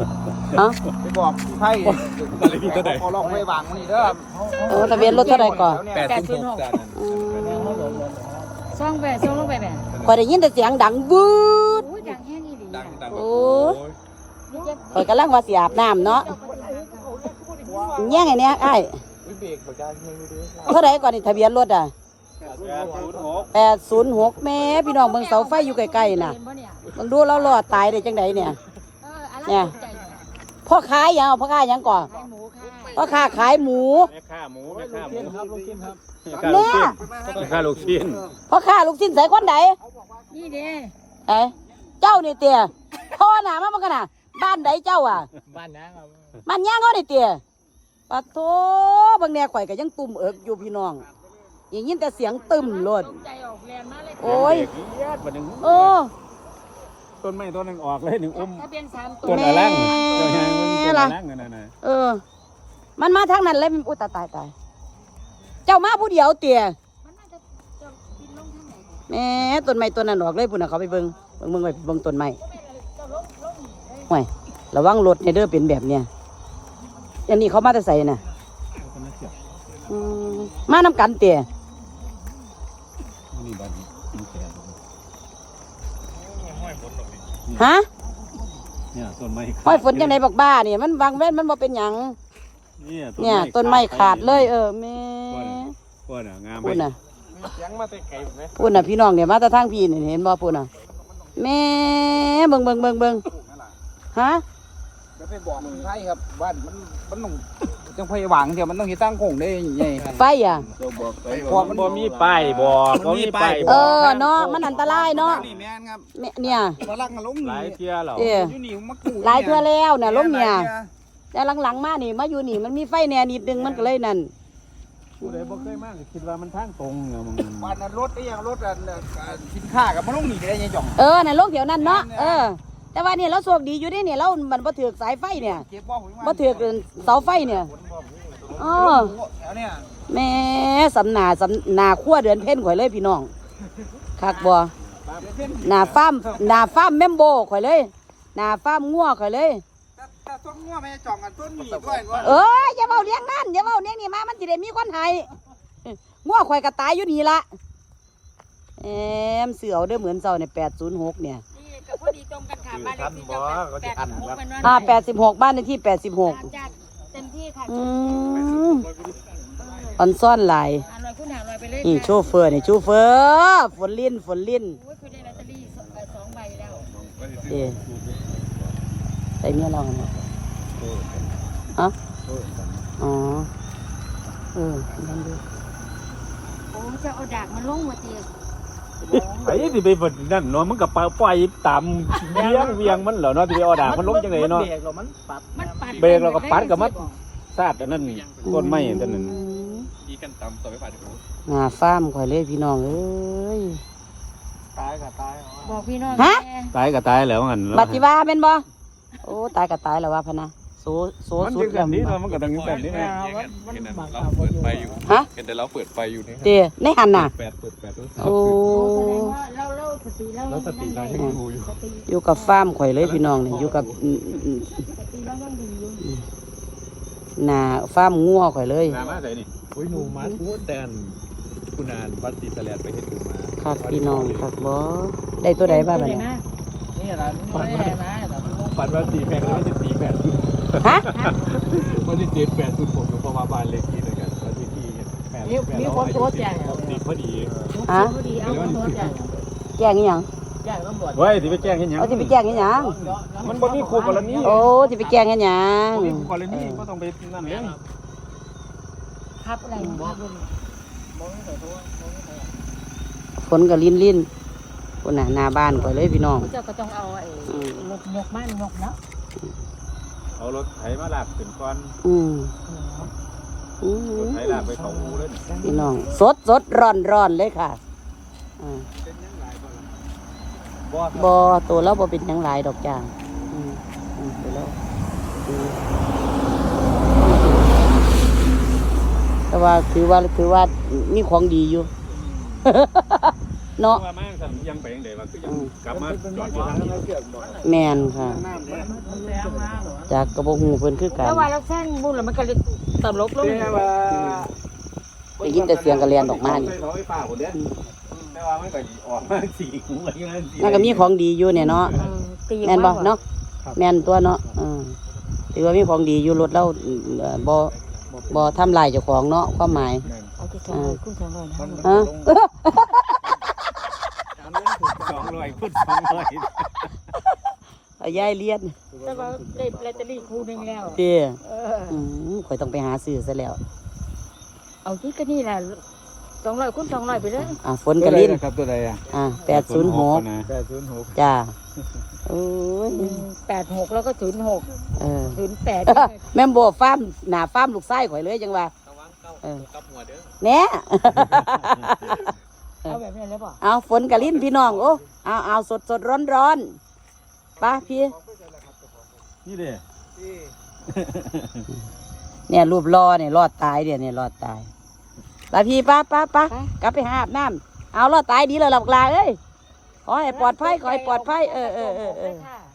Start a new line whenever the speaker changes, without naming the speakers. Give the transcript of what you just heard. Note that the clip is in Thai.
ฮะ
ไปบอกพี่ไพ่ขอลองไว้วางนี่เด้อ
ทะเบียนรถเท่าไหร่ก่อน
806ซ่องลงไปแบบ
พอได้ยินแต่เสียงดังบูด
โอ้ยดังแห้งอีหลี
โอ้ข่อยกำลังว่าสิอาบน้ำเนาะแย่งไงเนี่ยไอ้เท่าไหร่ก่อนนี่ทะเบียนรถอ่ะ806แม่พี่น้องเบิ่งเสาไฟอยู่ใกล้ๆน่ะเบิ่งดูแล้วรอดตายได้จังไดเนี่ยเนี่ยพ่อค้ายังพ่อค้ายังก่อนพ่อค้าขายหมู
แม่ค้าหมูแม่ค้าหมู
ครับลูกชิ้นครับ
แม่ค้าลูกชิ้น
พ่อค้าลูกชิ้นใส่คนใด
นี่เด้
เจ้านี่เตี้ยพ่อหนามาบังกันน่ะบ้านใดเจ้าอ่ะ
บ้านน้ำครับ
บ้านย่างเขานี่เตี้ยปะโถบางแนวข่อยก็ยังตุ่มเอิกอยู่พี่น้องอย่างยินแต่เสียงตึมโลด
ใจออกแรงมากเลย
โอ้ย
บัดนึง
โอ้
ต้นไม้ต้นนึงออกเลยหนึ่งอุ้ม
ทะเบียน3
ต้
ตัวน
อะไรเจ้าชายมันต้นอะไรนั่นน่ะ
มันมาทางนั้นเลยอุ้ยตายเจ้ามาผู้เดียวเตี้ย
มันน่าจะบินลงทางไหน
แหม่ต้นไม้ต้นนั้นออกเลยพุ่นน่ะเขาไปเบิ่งไปเบิ่งต้นไม้ห่วยระวังรถเนี่ยเด้อเป็นแบบเนี้ยอันนี้เขามาแต่ใส่น่ะมานำกันเตี้ย
นี่บ้านนี่แก่
ฮะ
เนี่ยต้นไม้
ห้อยฝนจังไดบอกบ้าเนี่ยมันวางเว้นมันบ่เป็นหยังเนี่ยต้นไม้ขาดเลยแม่
พูดน่ะงาม
พูดน่ะ
เสียงมาแต่ไกลไหม
พูดน่ะพี่น้องเนี่ยมาแต่ทางพี่นี่เห็นบ่พูดน่ะแม่เบิ่งฮะ
จะไปบอกพี่ไพ่ครับบ้านมันต้องจังไพ่วางเดี๋ยวมันต้องเฮ็ดตั้งโค้งได้ใหญ่
ไฟอ่ะ
พอมันบ่มีป้ายบอกบ่มีป้าย
เนาะมันอันตรายเนาะ
นี่แม่นครับ
เนี่ย
มาลักกันล้ม
หลายเที่ยแล้ว
อยู่นี่มากู
หลายเทื่อแล้วน่ะล้มเนี่ยแต่หลังๆมานี่มาอยู่นี่มันมีไฟแน่นิดนึงมันก็เลยนั่น
ผู้ใดบ่เคยมาก็คิดว่ามันทางตรงเนี่ยมึง
บ้านนั้นรถได้ยังรถสินค้ากับมาลงนี่ได้ยังจ่อง
น่ะลงเดี๋ยวนั้นเนาะแต่ว่าเนี่ยเราโชคดีอยู่เด้เนี่ยเรามันบ่ถือกสายไฟเนี่ย
เก็บบ่หุย
บ่ถือกเสาไฟเนี่ย
เนี่ย
แม่สำนาขั้วเดือนเพ่นข่อยเลยพี่น้องคักบ่หน้าฟาร์มแมมโบข่อยเลยหน้าฟาร์มงัวข่อยเลย
แต่ต้นงัวไม่จ่องกันต้นหมีด้วย
อย่าเว้าเลี้ยงนั่นอย่าเว้าเลี้ยงนี่มามันสิได้มีคนให้งัวข่อยก็ตายอยู่นี่ละเสือเอาเด้อเหมือนเจ้าเนี่ย806เนี่ย
นี่ก็พอดีตรงกันค่ะบ้านเลขที่
86บ้านเลขที่86
จัดเต็มที่ค่ะ
ออนซ่อนหลาย
100คูณ500ไปเลย
นี่โชเฟอร์นี่โชเฟอร์ฝนลิ้น
โอ้ยคุณได้ลอตเตอรี่2 ใบแล้ว
ใส่เมียเราเนี่ยฮะอ๋อนั่นดู
โอ้จะเอาดากมันลงมาตี
ไอ้ที่ไปบดนั่นเนาะมันก็ปล่อยตามเวียงมันเหรอเนาะที่ไปเอาดามันลงจังไดเนาะ เบรกเราก็ปัดกับมัดซาดอันนั้นต้นไม้อันนั้น
ดีกันตำต่อไปผ่านหู
งาฟาร์มข่อยเลยพี่น้องเอ้ย
ตายกับตาย
บอกพี่น้อง
ตายก็ตายแล้วงั้น
บัติว่าเป็นบ่โอ้ตายก็ตายแล้วว่าพะนะโซ
มัน
สุ
จึ
ด
งแบบนี้เนาะมันก็ต้องแบบนี้นะ
เราเปิดไฟอยู่
ฮะ
เห็นแต่เราเปิดไฟอยู่นี่
เดี๋ยวในหันน่ะ
เปิด
โอ้
เราสติเรา
แล้วสติเรายังอยู่
อยู่กับฟาร์มข่อยเลยพี่น้องเนี่ยอยู่กับ
สติเรายังดีอยู่
หน้าฟาร์มงัวข่อยเลย
มาใส่นี่
โอ้ยหนูมาทูดแดนคุณอ่านวัดศรีสะแลดไปเห็นดูมา
คักพี่น้องคักบ่ได้ตัวใดบ้างบัดนี้
นี่ร้าน
ปันว่าตีแพงแล้วจะตีแปด
ฮะ
วันที่7 8 0ผมอยู่ประมาณบ้านเลขที่ด้วยกันวันที่มีคนโทษแจ้งตีพอดี
ฮะ
ดีเอาโทษจ้ะ
แจ้งอีหยัง
เฮ้ยที่ไปแจ้งเห็นยัง
เอาสิไปแจ้งอีหยัง
มันบ่มีคู่กรณี
โอ้สิไปแจ้งอีหยัง
บ่มีคู่กรณีก็ต้องไปนั่นเลย
ครับอะไร
ฝนก็ลิ้นคนน่ะหน้าบ้านข่อยเลยพี่น้อง
เจ้าก็ต้องเอาไอ้รถยกมันยกเนาะ
เอารถไถมาลากขึ้นก่อน
อืม
รถไถลากไปเขาอูเลย
พี่น้องสดร้อนเลยค่ะบ่ตัวเราบ่เป็นหยังหลายดอกจ้าตัวเราแต่ว่าถือว่ามีของดีอยู่ เนาะ
ว่ามาสั่นยังไปยังไดว่าคือยังกลับมาจอดอยู่ทางนี้
แมนค่ะจากกระบอกหูเพิ่นคือกัน
แล้วว่าเราแซงบุญแล้วมันก็เลยตลบลง
แต่ว่า
ได้ยินแต่เสียงกระเรียนออกมานี่
เสไฟฟ้าคนเด้อแต่ว่ามันก็ออกมาสีหูอะไรเงี้ย
นั่นก็มีของดีอยู่เนี่ยเนาะ
ตี
แม่นบ่เนาะแม่นตัวเนาะถือว่ามีของดีอยู่รถเราบ่ทำลายเจ้าของเนาะความหมาย
เอาที่200คุณ200นะ
ฮะ
200พูด200
เอายายเลียน
แต่ว่าได้ลอตเตอรี่คู่นึงแล้ว
เตี้ย
เออ
ข่อยต้องไปหาซื้อซะแล้ว
เอาที่ก็นี่แหละ200คูณ200ไปเลย
ฝนกะลิ้น
ครับตัวใดอ่ะ
806
นะ
806
จ้าโอ้ย
86แล้วก็06
เออ
08
แม่นบ่ฟาร์มหน้าฟาร์มลูกไส้ข่อยเลยจังว่าแหน่
เอาแบบนี้เลยป่ะ
เอาฝนกะลิ้นพี่น้องโอ้เอาสดร้อนๆป้าพี่
นี่เด้
เนี่ยรูปรอเนี่ยรอดตายเนี่ยรอดตายป้าพี่ป้ากลับไปหาอาบน้ำเอารอดตายดีเลยหลับลาเอ้ยขอให้ปลอดภัยขอให้ปลอดภัย
ค่ะ